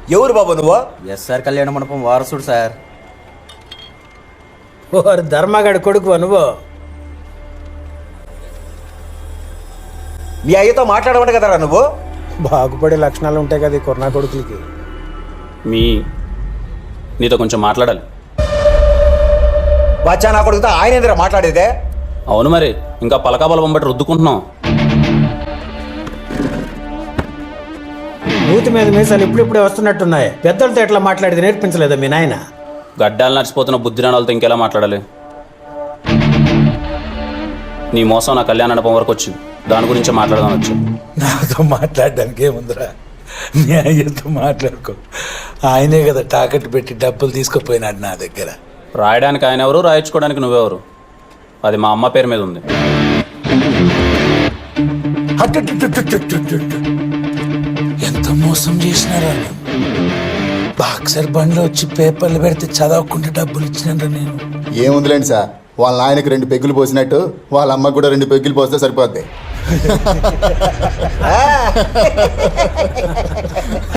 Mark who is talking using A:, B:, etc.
A: ఎవరు బాబు నువ్వు?
B: ఎస్ఆర్ కళ్యాణ మండపం వారసుడు సార్.
C: ఓరు ధర్మగాడి కొడుకు నువ్వు?
A: మీ అయ్యతో మాట్లాడమంట కదరా నువ్వు?
C: బాగుపడే లక్షణాలు ఉంటాయి కదా ఈ కొరనా కొడుకులకి.
D: నీతో కొంచెం మాట్లాడాలి.
A: బాచా నా కొడుకుతో ఆయన ఏందిరా మాట్లాడేదే?
D: అవును మరి, ఇంకా పలకా బలపం బట్టి రుద్దుకుంటున్నాం.
C: మూతి మీద మీసాలు ఇప్పుడిప్పుడే వస్తున్నట్టున్నాయి. పెద్దలతో ఎట్లా మాట్లాడేది నేర్పించలేదా మీ నాయన?
D: గడ్డాలు నడిచిపోతున్న బుద్ధిరాణాలతో ఇంకెలా మాట్లాడాలి? నీ మోసం నా కళ్యాణ మండపం వరకు వచ్చింది, దాని గురించి మాట్లాడదాం వచ్చి.
E: నాతో మాట్లాడడానికి ఏముందిరా, నీ అయ్యతో మాట్లాడుకో. ఆయనే కదా తాకట్టు పెట్టి డబ్బులు తీసుకుపోయినాడు నా దగ్గర.
D: రాయడానికి ఆయన ఎవరు, రాయించుకోవడానికి నువ్వెవరు? అది మా అమ్మ పేరు మీద ఉంది.
E: ఎంత మోసం చేసినారా? బాక్సర్ బండ్లో వచ్చి పేపర్లు పెడితే చదవకుండా డబ్బులు ఇచ్చినారా నేను?
F: ఏముందిలేండి సార్, వాళ్ళ నాయనకి 2 పెగ్గులు పోసినట్టు వాళ్ళ అమ్మకు కూడా 2 పెగ్గులు పోస్తే సరిపోద్ది.